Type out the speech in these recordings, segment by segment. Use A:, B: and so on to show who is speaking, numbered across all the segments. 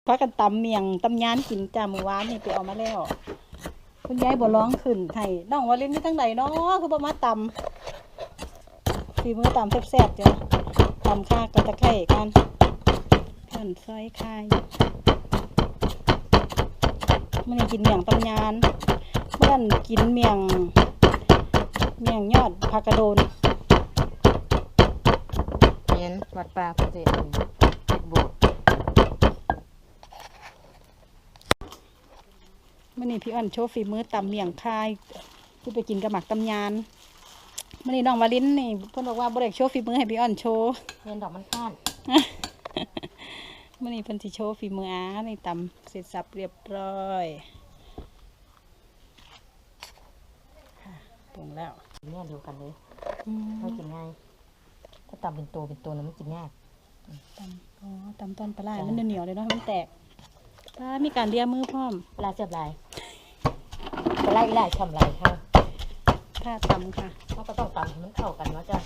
A: พากันตำเมียงตำยานกินจ้ามื้อวานนี่ไปเอามาแล้วคุณยายบ่ร้องขึ้นให้น้องว่าเล่นนี่ทั้งใดเนาะคือบ่มาตำฝีมือตำแซ่บๆจ้ะตำข่ากับตะไคร้กันเพิ่นซอยคายมื้อนี้กินเมียงตำยานเมื่อนั้นกินเมียงยอดผักกระโดน
B: เห็นวัดป่าพระเจดีย์โบสถ์
A: มื่อนี้พี่อ้อนโชว์ฝีมือตำเมี่ยงคายคือไปกินกับหมักตำยานมื่อนี้น้องวาลินนี่เพิ่นบอกว่าบ่ได้โชว์ฝีมือให้พี่อ้อนโชว์
B: เห็นดอกมันข้าน
A: มื่อนี้เพิ่นสิโชว์ฝีมือนี่ตำเสร็จสับเรียบร้อยปรุงแล้ว
B: เนี่ยเดียวกันเลยไม่กินง่ายถ้าตำเป็นตัวนั้นมันกินยาก
A: ตำต้นปลามันเหนียวเลยเนาะมันแตกมีการเลียมือพร้อม
B: ปลาเสียบลายปลาไหลทำไรค่ะ
A: ถ้าตำค่ะ
B: เราก็ต้องตำให้มันเข้ากันเนาะจ้ะ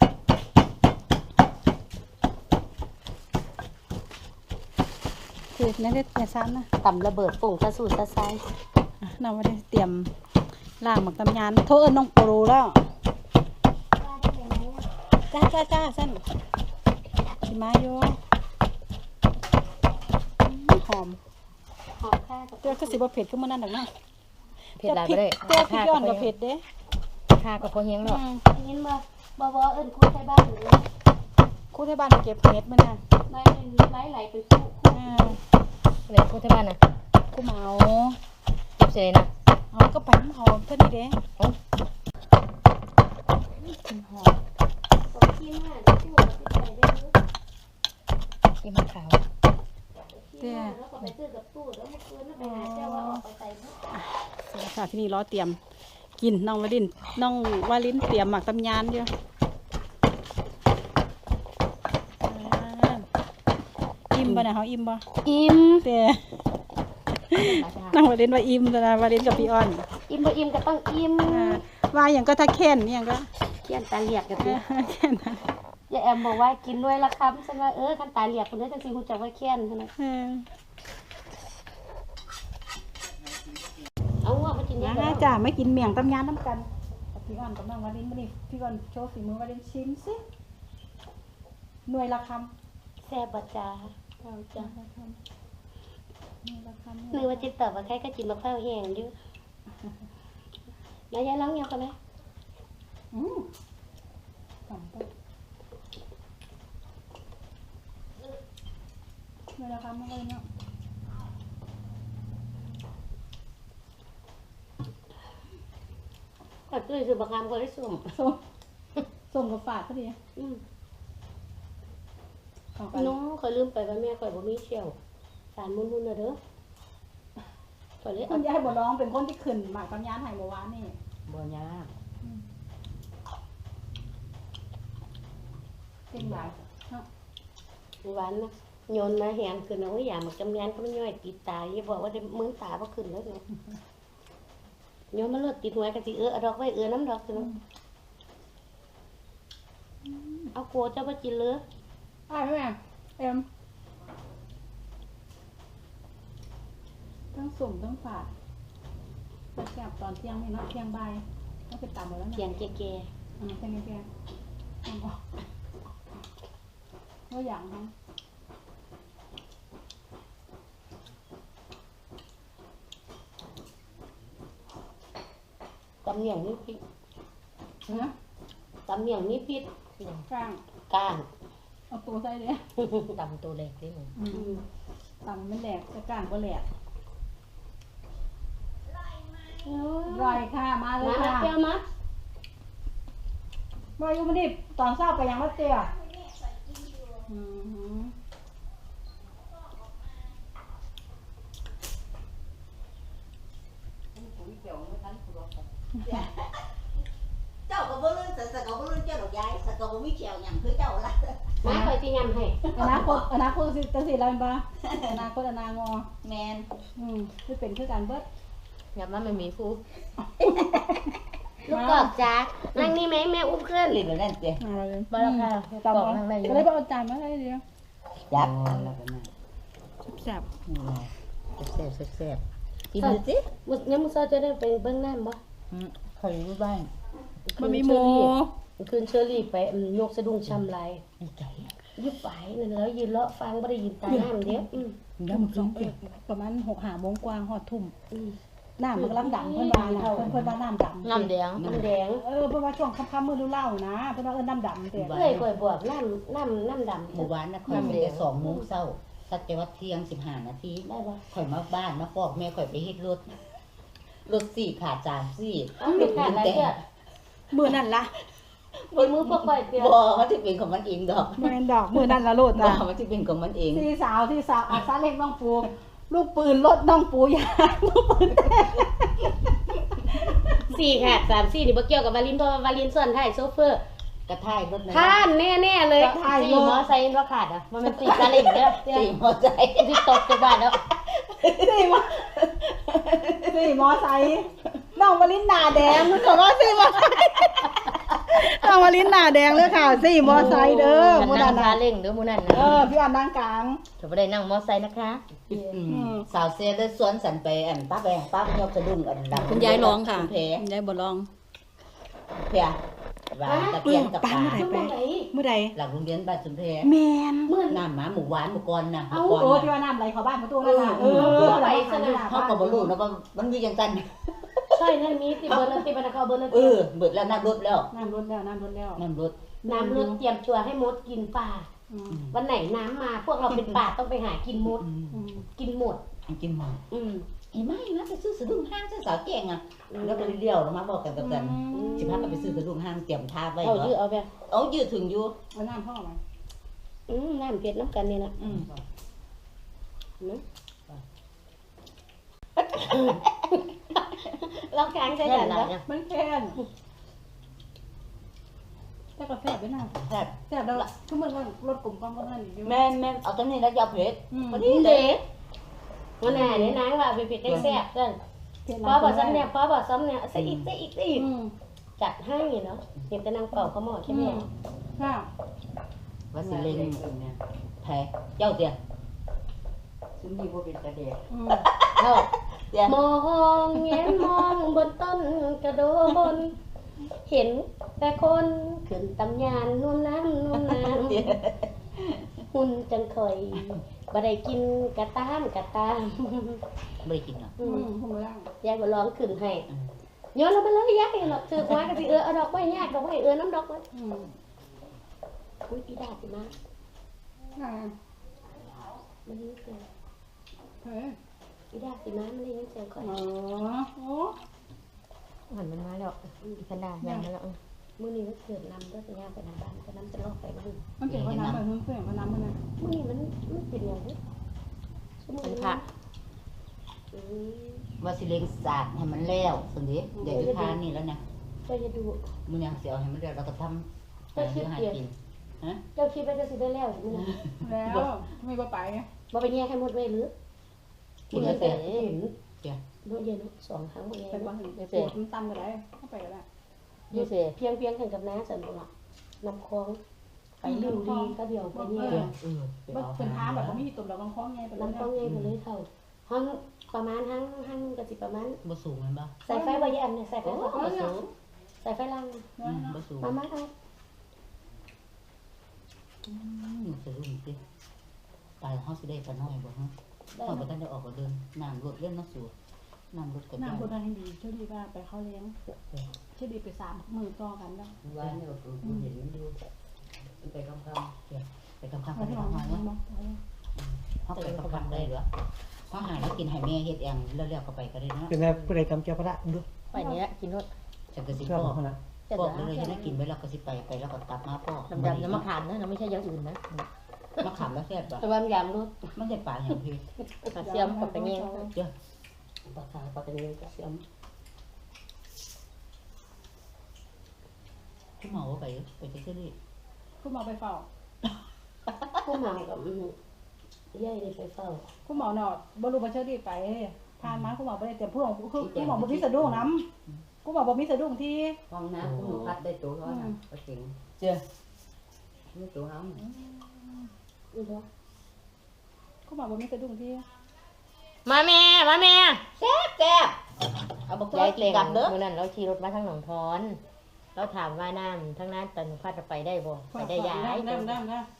A: คือนั่นได้ซ้ำนะ
B: ตำระเบิดปุ่งซะสูดซะไซ
A: น้องว่าได้เตรียมล่างหมักตำยานโทษน้องโปรแล้วจ้าสั้นชิมาโยหอม
B: ค่ะ
A: ตัวก็สิบเผ็ดขึ้นมานั่นหรอกนะ
B: เผ็ดหลายไปเลย
A: ตัวพริกย้อนกับเผ็ดเด้
B: ค่ากับพอเฮียงหรอก
C: เห็นบ่เอิ้นคู่ไทยบ้านหรือ
A: คู่ที่บ้านเก็บเม็ดมันน่ะ
C: ไม้ไหลไปคู่
B: เลยคู่ที่บ้านนะ
A: คู่เมา
B: เก็บเสร็จนะ
A: เอาก็ไปเอาเท่านี้เด้หอม
C: กินมาคู่กับใส่ได้มั้ย
B: กินมะขาว
C: แล้วก็ไปซื้อกับตู้แล้วเมื่อคืนไปหาเจ้าว่าออกไปใส่
A: เสร็จแล้วค่ะที่นี่รอเตรียมกินน้องวาลินเตรียมหมักตำยานเดียวอิ่มป่ะเนี่ยเขาอิ่มป่ะ
C: อิ่ม
A: เต้น้องวาลินว่าอิ่มนะวาลินกับพี่อ้อน
C: อิ่มบ่อิ่มก็ต้องอิ่ม
A: ว่าอย่างก็ถ้าแค้นอย่างก็
C: เขียนตาเหลียกกันดิ
A: แค้น
C: อย่าแอมบอกว่ากินด้วยละคำฉันว่าคันตาเหลียกคนนี้จังสิฮู้จักว่าแค้นซั่นน่ะเอาว่ามากิน
A: ยังจ้าไม่กินเมี่ยงตำยานน้ำกันพี่อ้อนกับน้องวาลินมาดิพี่อ้อนโชว์ฝีมือวาลินชิมสิหน่วยละค
C: ำแซ่บบ่จ้าเอาจ้านึกว่าจิตตอบว่าใครก็กินมะพร้าวแห้งอยู่แล้วยายร้องยังกันไหม
A: หน่วยละคำไม่เลยเนาะ
C: ก็ตื้อสืบประคำก็ได้ส่
A: งกับฝาดก็ดี
C: น้องคอยลืมไปว่าแม่คอยบ่มีเชี่ยวสารมุนๆนะเด้อคอยเลย
A: คุณยายบ่ร้องเป็นคนที่ขึ้นหมากตำยานหายเมื่อวานนี่
B: บ่ยาก
A: เป็นหลาย
C: หวานนะโยนมาแหงขึ้นเอาไว้อย่าหมักจำยานก็ไม่ย่อยติดตาอย่าบอกว่าได้มือตาบ่ขึ้นแล้วเนาะโยนมาเลือดติดหัวกะสิเอาดอกไว้น้ำดอกสิเนาะเอาโกเจ้าบ่กินเลย
A: แม่เอ็มทั้งสุ่มทั้งฝาดจะแซ่บตอนเที่ยงนี่เนาะเที่ยงบ่ายต้องไปตามหมดแล้วนะ
C: เที่ยงแก่
A: เที่ยงแก่ก็อย่างนั้น
C: ตำเหนียงนี่พริก
A: นะ
C: ตำเหนียงนี่พริกก้าง
A: เอาตัวใส่เลย
B: ตำตัวเล็กนิดหนึ่ง
A: ตำมันแหลกแต่ก้างก็แหลกร่อยค่ะมาเลยค่ะ
C: เปรี้ยวมั้ย
A: มาอยู่มาดิตอนเช้าไปยังวัดเตี้ย
D: เจ้าก็บ่รู้สักก็บ่รู้เจ้าดอกยายสักก็บ่มีเขียวหยังคือเจ้าล่ะ
C: มาคอยสิยำให้
A: อนาคตสิจังซี่ล่ะบ่อนาคตอนางอ
D: แม่น
A: คือเป็นคือกันเบิด
B: ยำมันไม่มีฟู
C: ลูกกอกจ้านั่งนี่ไหมแม่อุ้มขึ้น
D: หรือแบบนั้นเตี้ย
B: มาแล้วค่ะ
A: ตำก็เลยเอาจานมาให้เดียว
D: จับ
A: แซ่บ
B: แซ่บแซ่บกินดูสิ
C: มื้อนี้มื้อเช้าจะได้ไปเบิ่งน้ำบ่
B: คอยรู้บ้าง
A: มันมีหมู
C: คืนเชอรี่ไปยกสะดุ้งช้ำลาย
B: ไอ้ไก่
C: ยึดไปนั่นแล้วยืนเลาะฟังบ่ได้ยินตาน้ำเด้
B: น้ำ
A: ทุ่มส
B: กิ
A: อน ง
B: สิ
A: ประมาณ6-5โมงกว่าฮอดทุ่ม
C: อืม
A: น้ำมันกำลังดำเพิ่นว่าน่ะเพิ่นว่าน้ำดำ
B: น้ำแดง
C: น้ำแดง
A: เพิ่นว่าช่วงค่ำๆมื้อฤดูเหล้านะเพิ่นว่าน้ำดำแต่
C: เอ้ยข่อยบอกน้ำดำ
D: หมู่บ้านนะข่อยไปแต่2 โมงเช้าสักแต่ว่าเที่ยง15 นาที
C: ได้บ่
D: ข่อยมาบ้านมาฟอกแม่ข่อยไปเฮ็ดรถ4ขาดจาน4
C: เอาเป็นขาดอะไรเด้อ
A: มื้อนั้นล่ะ
C: บนมือพวกข่อยเตี้ย
D: บ่มันสิเป็นของมันเองดอก
A: แม่นดอกมื้อนั้นละโลด
D: บ่
A: จ้ะ
D: มันสิเป็นของมันเอง
A: ที่สาวอาซาเล็กน้องปูลูกปืนรถน้องปูยางลูกปืนแตก
C: 4ขาด3 4นี่บ่เกี่ยวกับวาลินเพราะว่าวาลินส่วนท้ายโซเฟอร์
D: กระท่ายรถนั้น
C: ท่านแน่ๆเลย4มอไซค์บ่ขาดอ่ะมันเป็น4ซาเล้งเด้อเตี้ย
D: สี่มอใจ
C: สิตกจากบ้านแล้ว
A: สี่มอไซค์น้องวลินหน้าแดงมันบอกว่าสี่มอไซค์น้องวลินหน้าแดงเลยค่ะสี่มอไซค์เด้อ
C: มื้
A: มื้
C: อ
A: อ
C: นั้
A: นั้น น
C: ซา
A: น่ะ
C: เล้งเด้อมื้อนั้น
A: พี่อันนั่งกลาง
C: จะบ่ได้นั่งมอไซค์นะคะ
D: สาวเซลได้สวนสันไปอันป้าแบงป้ายกสะดุ้งอันดัง
A: คุณยายร้องค่ะ
D: คุณเพ
A: คุณยายบ่ร้อง
D: เพียว่าตะเกียงกับปลา
A: ไป เมื่อใด
D: หลังโรงเรียนบ้านสุนเพ
A: แมน
C: มื้อ
D: น้ำหมาหมู่หวานหมู่กรน่ะ
A: เอ้า
D: หมู่กร
A: โอ้
D: น่ะ
A: ที่ว่าน้ำไหลเข้าบ้านประตูนั่นน่ะไหลเข้าบ้าน
D: เขาก็บ่รู้นะว่ามันมีจังซั่น
C: ใช่นั่นมีที่เบอร์นั้นที่บรรณาเบอร์นั้น
D: เบิดแล้วน้ำลดแล้ว
A: น้ำลดแล้วน้ำลดแล้ว
D: น้ำลด
C: น้ำลดเตรียมตัวให้มดกินปลา
A: อืม
C: วันไหนน้ำมาพวกเราเป็นป่าต้องไปหากินมด
A: อืม
C: กินหมด
D: กินหมด
C: อืม
D: ไอ้ไม่นะไปซื้อสะดุ้งห้างซื้อสาวแกงอ่ะแล้วก็เลี้ยวลงมาบอกกันกับกันสิพากันไปซื้อสะดุ้งห้างเตรียมทาไว้
C: เอายื้อ
D: เหรอ
C: เอาไป
D: เอายืดถึงอยู่
A: เอาน้ำพ่อมา
C: น้ำเผ็ดน้ำกันนี่นะ
A: อืม
C: เรากลางใช้กันนะ
A: มันแค่นแต่กาแฟไปหน้า
D: แซ่บ
A: แซ่บแล้วทุกมื้อว่ารถกลุ่มก้อนก็นั่นอยู่
D: แม่นเอาตรงนี้แล้วยาเผ็ด พอดี
C: เด็กวันไหนเนี่ยนางว่าไปเผ็ดได้แซ่บกันพอบอกซ้ำเนี่ยพอบอกซ้ำเนี่ยใส่อีกจัดให้เนาะเห็นแต่นางเป่าเขาหมอใช่ไหม
A: ค่ะ
D: ว่าสิเล่งแพ้เจ้าเตียซึ่งมีบ่เป็นตาแดง
C: เท่า
D: เตีย
C: มองเงี้ยมองบนต้นกระโดนเห็นแต่คนขึ้นตำยานนุ่มน้ำหุ่นจังคอยบ่ได้กินกระตาม
D: บ่ได้กินหรอก
A: ผมไม่ได้
C: ยายก็ร้องขึ้นให้ย้อนเราไปเลยยายหรอกถือไม้ก็สิเอาดอกไม้ยากดอกไม้น้ำดอกไว้อุ้ยอีดาสิมามันนี่เสียง
A: เฮ้ย
C: อีดาสิมามันนี่เสียงคอย
A: อ๋อโอ้
B: หันมันมาแล้วกันดาอย่างนั้นแล้ว
C: มื้อนี้มันเกิดน้ำด้วยสัญญาไปน้ำบ้านก็น้ำจะลอกไปบ้าน
A: มันเป็นว่าน้ำมันเพื่อนว่าน้ำมันนะ
C: มื้อนี้มันเป็นอย่างนี้ชั่วโมง
B: มัน
C: นี้
B: พระ
D: ว่าสิเล่งสาดให้มันแล้วซั่นดิเดี๋ยวอยู่ทานนี่แล้วนะ
C: เจ้าจะดู
D: มื้อนี้สิเอาให้มันแล้วเราก็ทำหาอยู่หากินฮะ
C: เจ้าคิดว่าจะสิได้แล้วมื้อนี้
A: แล้วไม่ว่าไป
C: บ่ไปแย่ให้หมดไว้หรือ
D: กินแล้วแต่
C: เห็น
D: เดี๋ยว
C: เนาะเย็น2ครั้งบ่แย่
A: เป็นว่าปวดมันตันไปได้เข้าไปก็ได้
B: ยูเซ่
C: เพียงกันกับน้าสันบ่ล่ะน้ำคลองไปลืมดีก็เดียวไปแย่
D: ไปเอา
A: เป็นท้าแบบว่าไม่มีตุ่มเราบางคล้องไงเป็น
C: น้ำคลองใหญ่ไปเลยเท่าห้องประมาณห้างก็สิประมาณ
D: บ่สูงแม่นบ่
C: ใส่ไฟบ่ยันเนี่ยใส่ไฟ
D: โอ้
C: บ่
D: บ่สูง
C: ใส่ไฟล่าง
D: บ่สูง
C: มาเอา
D: สะดุ้งสิไปเฮาสิได้ปลาน้อยบ่ฮะเฮาบ่ทันได้ออกก็เดินน้ำลดเล่นเนาะสูน้ำลดก็
A: น้ำคนนั้นดีช่วยดีว่าไปเข้าเลี้ยงช่วยดีไป3 มือต่อกันแล้ว
D: ว่าเนี่ยก็เห็นมันอยู่ไปคำไปคำ
A: ไป
D: ไป
A: ที่
D: คำ
A: ห้อง
D: เนาะ
A: เนาะ
D: เฮาไปคำได้เหรอเฮาหาแล้วกินให้แม่เฮ็ดเองแล้วก็ไปก็ได้เนาะ
E: เป็นไงผู้ใดกำเจ้าพระดู
B: ไปเนี้ยกินรส
D: จังก็สิ
E: ชอบ
D: พ่อ
E: เขานะ
B: แต่
D: พ่อ
B: เดี๋ยว
D: เลยให้กินไว้แล้วก็สิไปแล้วก็กลับมาพ่อ
B: ดำๆน้ำมะขามนะไม่ใช่อย่างอื่นนะ
D: มะขามแล้วแซ่บบ่
C: แต่ว่ายามรถ
D: มันได้ปลาอย่างพี่
B: กระเทียมกับไปเงี้ย
C: ปลาขาวปลาตะเนียนกระเทียม
D: คุณหมอว่าไปเชื่อดิ
A: คุณหมอไปเฝ้า
C: ผู้หมากับย่ายนี่ไปเฝ้า
A: คุณหมอเนาะบรูปเชิญดีไปทานมาคุณหมอไปเตรียมเพื่อนคือคุณหมอบ่มีสะดุ้งน้ำคุณหมอบ่มีสะดุ้งที่
F: ห้องน้ำคุณหนูพัดได้ตัวร้อยนะก็เก่ง
D: เจ้า
F: ไม่ตัวห้อง
C: อีกแล้ว
A: คุณเขาบอกว่ามีสะดุ้งที่
C: มาแม่
B: แซ่บเอาบัก
C: ยายเกรง
B: กลับเด้อ
C: เมื่อนั้นเราขี่รถมาทางหนองทอนเราถามว่าน้ำทั้งนั้นตอนหนูพาจะไปได้บ่ไปได้ย้าย
A: น้ำ
C: งาม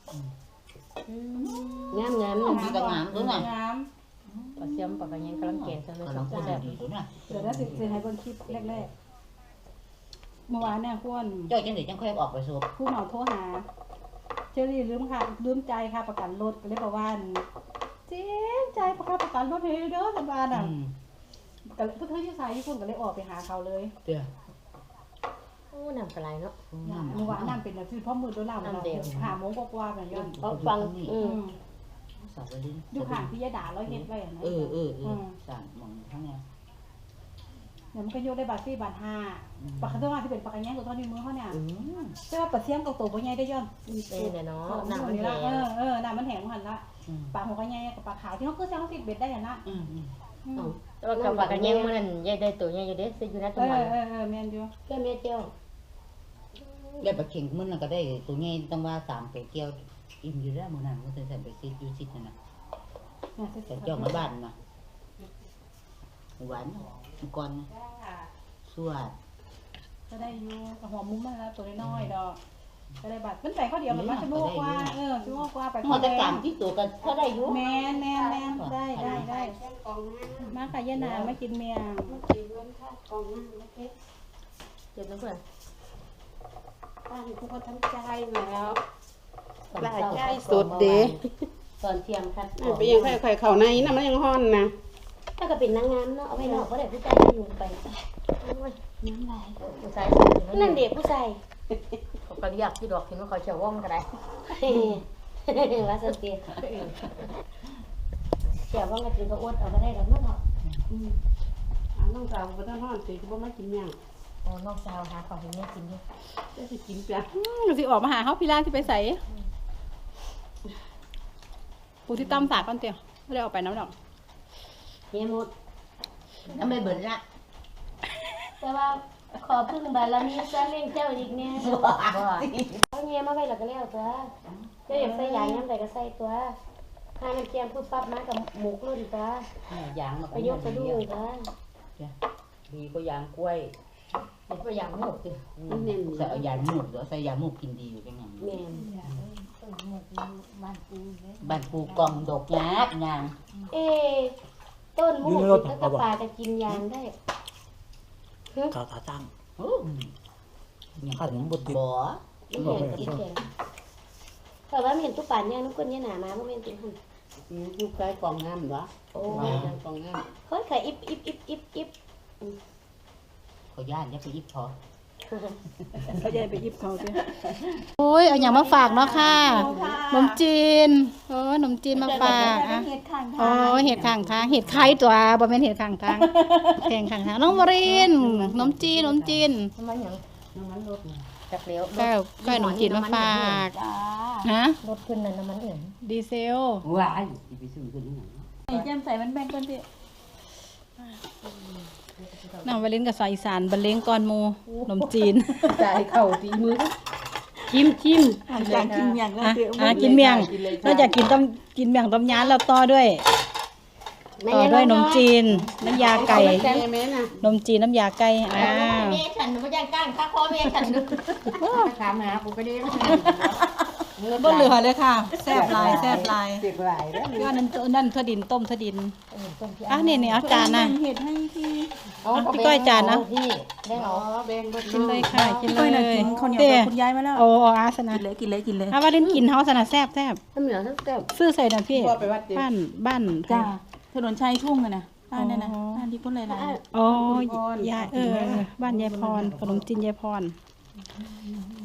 D: มีกระงามด้วยนะ
A: น้
C: ปลาเสียมปลากระยังกำลังเกณฑ์ซะเลย
D: กำลังพูด
C: แบบ
D: ดีตัวน่ะ
A: ำเดี๋ยวได้สิให้เบิ่งคลิปแรกๆเมื่อวานเนี่ยควร
D: จ้อยจังได๋จังค่อยออกไปสูบ
A: ผู้เหมาโทรหาเจอรี่ลืมใจค่ะประกันรถก็เลยบอกว่าเจ๊ใจประกันรถเฮเด้อสันบานอ่ะก็เลยเพื่อนที่สายที่คุณก็เลยออกไปหาเขาเลย
D: เด้อ
C: โอ้น้ำกระไรเนาะ
A: เมื่อวานน้ำเป็นแบบที่พ่อมือด้วยเราหาโมงกว่าๆแบบนี้
C: เพราะฟัง
D: สาวลิ้น
A: อยู่ห่างที่ยาด่าร้อยเฮ็ดไว้อย่างนั้น
D: เออสั่งมองทั้งเนี้ย
A: เนี่ยมันก็โยกได้บาท4 บาท 5ปากกาตัวมาที่เป็นปากกาแง่ตัวเท่านี้มือเขาเนี่ย
D: อืม
A: ใช่ว่าปลาเสียมตัวบ่ใหญ่ได้ย้อน
C: นี่เนาะน้ำมัน
A: นี่
C: แห้
A: ละ
C: ง
A: น้ำมันแห้งหันละปลาหัวก็ใหญ่กับปลาขาวที่เขาคือแซงเขาติดเบ็ดได้อย่างนั้น
C: แต่ว่ากับปลากระยังมันยายได้ตัวใหญ่อยู่เด้ซื้ออยู่นะตัวมัน
A: แม่นอยู่
C: แค่แม่เจ้า
D: แล้วปลาเข็งมันก็ได้ตัวใหญ่ต้องว่า3ตัวเกี่ยวอิ่มอยู่แล้วมื้อนั้นมันใส่ไปซิดอยู่ซิดนั่นน่ะแต่เจ้ามาบ้านน่ะหวานก่อนนะสวด
A: ก็ได้อยู่หัวมุ้งมาแล้วตัวน้อยดอกก็ได้บาทมันแต่ข้อเดียวมันมาชั่วโมงกว่าชั่วโมงกว่าไป
D: หอดแต่กลางที่ตัวก็พอได้อยู่
A: แมนได้มาค่ะย่านามากินเมียง
C: เดี๋ยวนะเพื่อน
F: ป้าทุกคนทั้งใจแล้ว
C: หลายใจ
F: สุดเด้
C: ตอนเที่ยงคัด
F: ไปยังไข่เขาในน้ำมันยังฮ้อนนะ
C: ถ้าก็เป็นนางงามเนาะเอาไปนอกก็ได้ผู้ชายอยู่ไปน้ำลายผู้ชายนั่นเด็กผู้ชายเขาก็เรียกที่ดอกเห็นว่าเขาเฉียวว่องก็ได้ว่าสติเฉียวว่องก็ถือก็อดเอาก็ได้แล้วเนาะ
F: น้องสาวบ่ต้องฮ้อนสิบ่มากินหยัง
C: อ๋อนอกสาวหาของให้แม่กินดิ
F: จะสิกินเปีย
A: สิออกมาหาเขาพี่ล่าที่ไปใส่ปูที่ตั้มสากก่อนเตียวไม่ได้ออกไปน้ำดอก
C: เฮียหมด
D: น้ำไม่เบิ่นละ
C: แต่ว่าขอพึ่งบารมีซะเลี้ยงเจ้าอีกเนี่ยเอาเงี้ยมาไว้แล้วก็แล้วตัวเจ้าอยากใส่ยางยังไงก็ใส่ตัวถ้ามันเกียมปุ๊บปั๊บมากับหมูกลุ่นตัว
D: ยางมัน
C: ไปยกกระดูกตัว
B: ดีก็ยางกล้วย
C: เป็นตัวอย่างหมูกสิ
F: มันเน้น
D: ใส่ยาหมูกใส่ยาหมูกกินดีอยู่จังงั้น
C: แม่น
D: บ้านปูกองดอกยากนาง
C: เอ๊ต้นหมูกแล้วก็ปลาจะกินยางได้
E: ขาขาตั้ง
D: โอ้ยังขันบุดบ่
C: ไม่เห็นกินแข็งแต่ว่าเห็นตุ๊ปานย่างน้ำก้นย่าหนามาเพราะเป็นตุ๊กหุ่น
F: ลูกชายกองงามเหรอ
C: โอ้
F: กองงาม
C: เฮ้ยขายอิบ
D: เขาย่านจะไปยิบพอ
A: เขาจะไปยิบเขาเตียโอ้ยเอาอย่างมาฝากเนาะค่ะขนมจีนขนมจีนมาฝากอ่ะเห็ดข้างทางเห็ดไข่ตัวบ่เป็นเห็ดข้างทางแข่งข้างทางน้องวรินขนมจีน
C: ทำไมอย่าง
F: น้ำมันลดนะ
C: จากเลี้ยว
A: ก็ขนมจีนมาฝากฮะ
C: รถขึ้นนั่นน้ำมันเอื่น
A: ดีเซล
F: ว้ายสิไปซื้อกันยังไง
A: แจ่มใส่มันแบ่งก่อนสิน้องวรินกับสายอีสานบรรเลงก่อนหมูขนมจีน
F: จ่ายเข้าตีมือจิ้ม
A: อยากกินเมียงแล้วกินเมียงเราอยากกินเมียงต้มยำแล้วต่อด้วยขนมจีนน้ำยาไก่
F: แม่แม่น่ะ
A: ขนมจีนน้ำยาไก่
C: แม่ฉันไม่ย่างก้างข้าคอแม่ฉัน
F: ถามหากูก็ได้
A: บ่เหลือเลยค่ะแซ่บลาย
F: เจ็บหลายแล้ว
A: ก็นั่นถั่วดินต้มถั่วดินนี่เอาจานนะ
F: เห็ดให้ที่
A: พี่ก้อยจานนะ
C: พี่ได้หรอ
F: แบ่งบ่
A: กินเลยค่ะกินเลย
F: คนเดียวคุณยายมาแล้ว
A: โอ้อาสนะ
F: กินเลย
A: ถ้าว่าเล่นกินเฮาสนะแซ่บ
C: น้ำเหนือทั้งแก้ว
A: ซื้อใส่น่ะพี่
F: พ่อไปวัดเด็ก
A: บ้าน
F: จ้าถนนชัยทุ่งอะนะบ้านนั่นนะบ้านที่พุ่นเลยนะ
A: อ๋อยายบ้านยายพรขนมจีนยายพร